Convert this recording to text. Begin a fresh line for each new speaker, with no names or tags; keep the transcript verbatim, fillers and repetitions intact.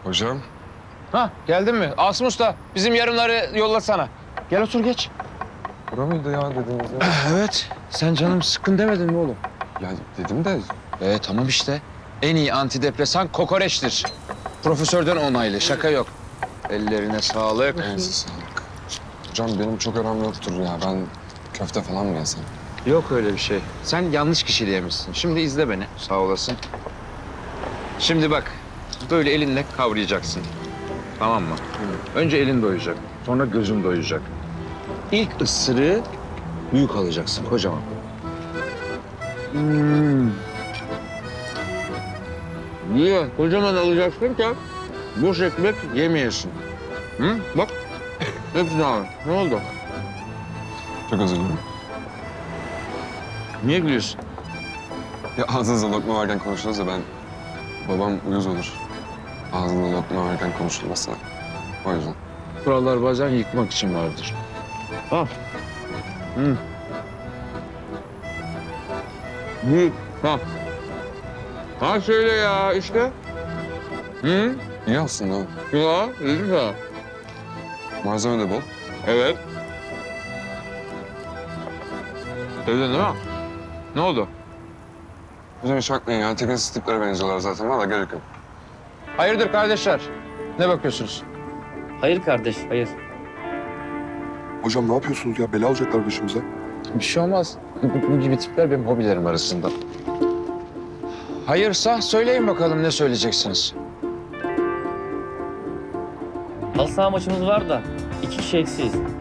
Hocam.
Ha geldin mi? Asım Usta bizim yarımları yollasana. Gel otur geç.
Bura mıydı ya dediğiniz yer?
Evet. Sen canım sıkkın demedin mi oğlum?
Ya dedim de
Ee tamam işte. En iyi antidepresan kokoreçtir. Profesörden onaylı. Şaka yok. Ellerine sağlık.
elinize sağlık. Hocam benim çok aram yoktur ya. Ben köfte falan mı yesem?
Yok öyle bir şey. Sen yanlış kişiyle yemişsin. Şimdi izle beni. Sağ olasın. Şimdi bak. Böyle elinle kavrayacaksın. Tamam mı? Önce elin doyacak. Sonra gözün doyacak. İlk ısırığı büyük alacaksın. Kocaman. Hmm. Niye? Kocaman alacaksın ki boş ekmek yemeyesin. Hı? Bak. Hepsini al. Ne oldu?
Çok özür dilerim.
Niye gülüyorsun?
Ya ağzınızda lokma varken konuştunuz da ben... Babam uyuz olur. Ağzında lokma varken konuşulmasına. O yüzden.
Kurallar bazen yıkmak için vardır. Al. Hı. Büyük. Ha. Ha şöyle ya işte. Hı?
İyi aslında.
Ya dedim ya.
Malzeme de bol.
Evet. Dedin değil mi? Ne oldu?
Hocam hiç bakmayın ya. Tekinsiz tiplere benziyorlar zaten. Valla gerek yok.
Hayırdır kardeşler? Ne bakıyorsunuz?
Hayır kardeş, hayır.
Hocam ne yapıyorsunuz ya? Bela alacaklar başımıza.
Bir şey olmaz. Bu, bu gibi tipler benim hobilerim arasında. Hayırsa söyleyin bakalım ne söyleyeceksiniz?
Halı saha maçımız var da iki kişi eksiyiz.